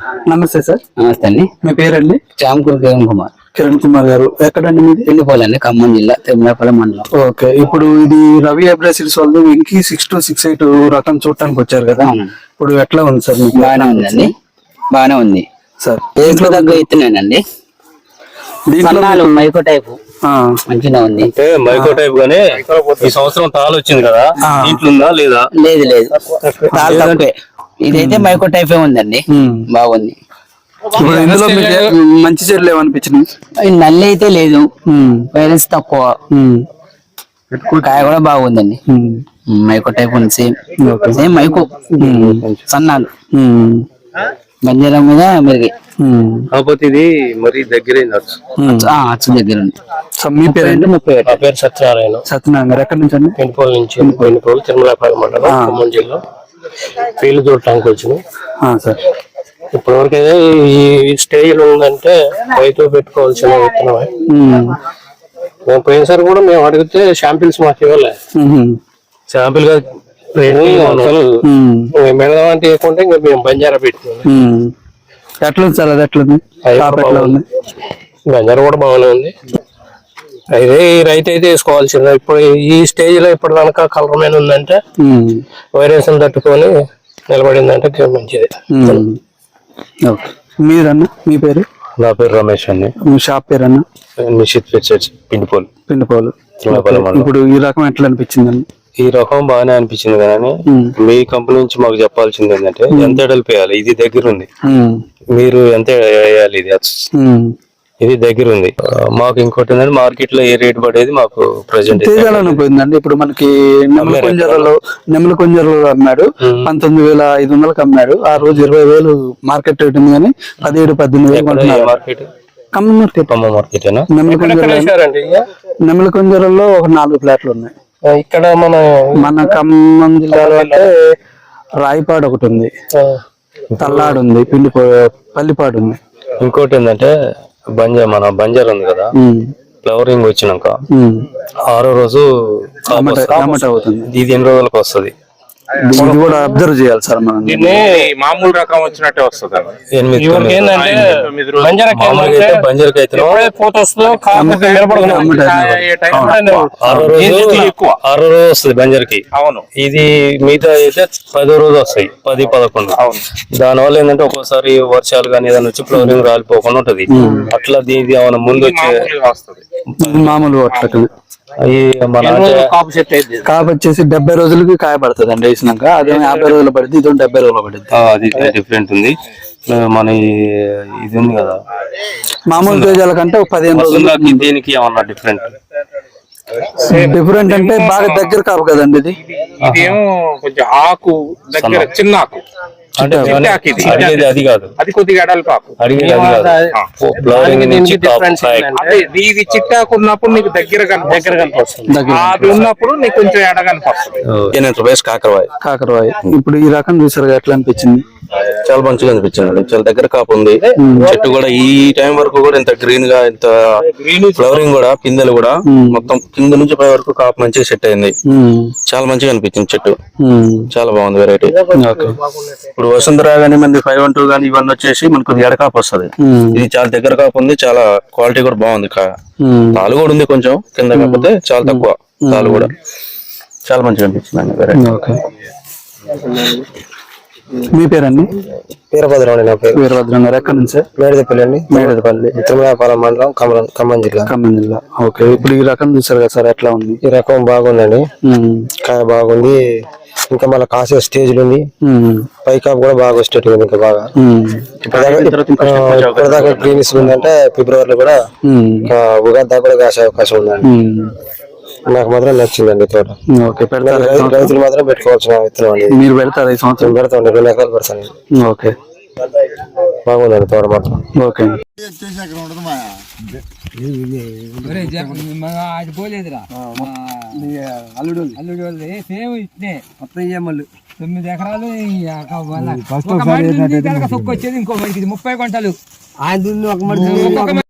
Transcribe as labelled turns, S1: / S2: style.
S1: నమస్తే సార్.
S2: నమస్తే అండి.
S1: మీ పేరండి?
S2: చామకూరు
S1: కిరణ్ కుమార్ గారు. ఎక్కడండి మీది?
S2: ఎండిపోలండి, ఖమ్మం జిల్లా తిరుమలపల్లి మండలం.
S1: ఓకే, ఇప్పుడు ఇది రవి అబ్రాసిల్స్ వాళ్ళు వెంకీ 6268 రకం చూడటానికి వచ్చారు కదా. ఇప్పుడు ఎట్లా ఉంది సార్ మీకు?
S2: బాగానే ఉందండి, బాగానే ఉంది
S1: సార్.
S2: ఏసులో దగ్గర ఇస్తున్నానండి. సన్నాలు మైకో టైపు మంచిగా ఉంది.
S3: అంటే మైకో టైప్ గానే ఈ సంవత్సరం తాలు వచ్చింది కదా, దీంట్లో ఉందా లేదా?
S2: లేదు లేదు, తాలు తక్కువే. ఇదైతే మైకో టైపే ఉందండి, బాగుంది.
S1: ఇప్పుడు ఇందులో మీకు మంచి చెట్లు ఏమనిపించినాయి?
S2: నల్లి అయితే లేదు, వైరస్ తక్కువ, కాయ కూడా బాగుందండి. మైకో టైప్ ఉంది, సేమ్ మైకో సన్నాలు బంజారా మీద మెరుగు.
S3: కాకపోతే ఇది మరి దగ్గర
S2: అచ్చు దగ్గర ఉంది.
S1: మీ పేరు?
S3: నా పేరు సత్యనారాయణ.
S1: సత్యనారాయణ గారు ఎక్కడి నుంచి అండి?
S3: పెనుకోలు నుంచి. పెనుకోలు తిరుమలపల్లి మండలం, ఖమ్మం జిల్లా. ఫీల్డ్ చూడటానికి వచ్చినాం
S1: సార్.
S3: ఇప్పటి వరకైతే ఈ స్టేజ్ లో ఉందంటే రైతు పెట్టుకోవాల్సిన విత్తనమే. మేము పోయినసారి కూడా మేము అడిగితే శాంపిల్స్ మాకు ఇవ్వలే. శాంపిల్ గా అసలు మెడదాం అంటే ఇవ్వకుంటే ఇంకా మేము బంజారా పెట్టుకున్నాం.
S1: ఎట్లుంది సార్? అది ఎట్లుంది?
S3: బంజారా కూడా బాగానే ఉంది. అయితే ఈ రైతు అయితే వేసుకోవాల్సిందే. ఇప్పుడు ఈ స్టేజ్ లో ఇప్పుడు కనుక కలర్ మీద ఉందంటే వైరస్ తట్టుకొని నిలబడిందంటే మంచిది.
S1: మీరన్నా? మీ పేరు?
S3: నా పేరు రమేష్ అండి.
S1: మీ షాప్ పేరన్నా?
S3: నిషిత్ ఫిట్స్ పిండిపోలు.
S1: ఇప్పుడు ఈ రకం ఎట్లా అనిపించిందండి?
S3: ఈ రకం బాగానే అనిపించింది కానీ మీ కంపెనీ నుంచి మాకు చెప్పాల్సింది ఏంటంటే ఎంత ఎడల్పు వేయాలి. ఇది దగ్గర ఉంది, మీరు ఎంత వేయాలి. ఇది దగ్గర ఉంది. మాకు ఇంకోటి ఏంటంటే మార్కెట్ లో ఏ రేట్ పడేది మాకు ప్రెసెంట్
S1: పోయిందండి. ఇప్పుడు మనకి నెమ్మల కొంజరలో అమ్మాడు 19,500 అమ్మాడు. ఆ రోజు 20,000 మార్కెట్ రేట్ ఉంది కానీ 17-18,000
S3: మార్కెట్.
S1: ఖమ్మం మార్కెట్. నెమ్మల కొంజరలో ఒక 4 ఫ్లాట్లు ఉన్నాయి.
S3: ఇక్కడ
S1: మన ఖమ్మం జిల్లాలో అంటే రాయిపాడు ఒకటి ఉంది, తల్లాడు ఉంది, పల్లిపాడు ఉంది.
S3: ఇంకోటి ఏంటంటే మన బంజారా ఉంది కదా, ఫ్లవరింగ్ వచ్చినాక 6వ రోజు
S1: అవుతుంది.
S3: ఇది ఎన్ని రోజులకు వస్తుంది?
S1: ఇది కూడా అబ్జర్వ్ చేయాలి సార్. మనం
S4: మామూలు రకం వచ్చినట్టే వస్తుంది.
S3: బంజారాకి అయితే 6వ రోజు వస్తుంది బంజారాకి.
S4: అవును.
S3: ఇది మిగతా అయితే 10వ రోజు వస్తాయి, 10-11. దానివల్ల ఏంటంటే ఒక్కోసారి వర్షాలు కానీ ఏదైనా వచ్చి ఫ్లవరింగ్ రాలిపోకుండా ఉంటది. అట్లా దీనికి ఏమైనా ముందు వచ్చే
S1: మామూలు అట్లా కాపు వచ్చేసి 70 రోజులకి కాయ పడుతుంది అండి వేసినాక. అదే 50 రోజులు పడుతుంది, ఇది 70 రోజులు పడుతుంది.
S3: అది డిఫరెంట్ ఉంది. మన ఇది ఉంది కదా
S1: మామూలు తేజాల కంటే 15 రోజులు.
S3: దీనికి ఏమన్నా
S1: డిఫరెంట్ అంటే బాగా దగ్గర కాపు కదండి ఇది.
S4: ఇదేమో కొంచెం ఆకు దగ్గర, చిన్న ఆకు.
S3: అది కాదు,
S4: అది కొద్దిగా ఎడల్పాకు. ఇది చిట్టాకు ఉన్నప్పుడు నీకు దగ్గర కనిపిస్తుంది, అది ఉన్నప్పుడు నీకు కొంచెం ఎడ కనిపిస్తుంది.
S1: కాకరవాయి. ఇప్పుడు ఈ రకం చూసారు, ఎట్లా అనిపించింది?
S3: చాలా మంచిగా అనిపించింది. చాలా దగ్గర కాపు ఉంది. చెట్టు కూడా ఈ టైం వరకు కూడా ఇంత గ్రీన్ గా, ఇంత ఫ్లవరింగ్ కూడా, పిందెలు కూడా మొత్తం కింద నుంచి పై వరకు కాపు మంచిగా సెట్ అయింది. చాలా మంచిగా అనిపించింది చెట్టు. చాలా బాగుంది వెరైటీ. ఇప్పుడు వసుంధర గానీ మంది 512 గానీ ఇవన్నీ వచ్చేసి మనకు ఎడకాపు వస్తుంది. ఇది చాలా దగ్గర కాపు ఉంది, చాలా క్వాలిటీ కూడా బాగుంది. తాలు కూడా ఉంది కొంచెం కింద, కాకపోతే చాలా తక్కువ తాలు కూడా. చాలా మంచిగా అనిపించింది వెరైటీ.
S1: మీ పేరండి?
S3: వీరభద్రం అండి. నా పేరు
S1: వీరభద్రం గారు. ఎక్కడి నుంచి?
S3: మేడదపల్లి అండి.
S1: మేడదపల్లి,
S3: తిరుమలపల్లి మండలం, ఖమ్మం జిల్లా.
S1: ఓకే, ఇప్పుడు ఈ రకం చూసారు కదా సార్, ఎట్లా ఉంది?
S3: ఈ రకం బాగుందండి, కాయ బాగుంది. ఇంకా మళ్ళీ కాసే స్టేజ్లు ఉంది. పైకాపు కూడా బాగా వచ్చేటట్టు ఉంది. ఇంకా బాగా ఇప్పటిదాకా గ్రీనిస్ ఉందంటే ఫిబ్రవరిలో కూడా ఉగాది దాకా కూడా కాసే అవకాశం ఉందండి. నాకు మాత్రం నచ్చిందండి తోట. రైతులు మాత్రం పెట్టుకోవాల్సిన విత్తనం అండి.
S1: మీరు పెడతారు? ఈ సంవత్సరం
S3: పెడతాండి, 2 ఎకరాలు పెడతాను.
S1: ఓకే,
S3: బాగుందండి తోట మాత్రం.
S1: ఓకే.
S5: అల్లుడు సేమ్ ఇట్నే మొత్తం 9 ఎకరాలు. సొక్కు వచ్చేది ఇంకో మడికి 30 గంటలు. ఆయన ఒక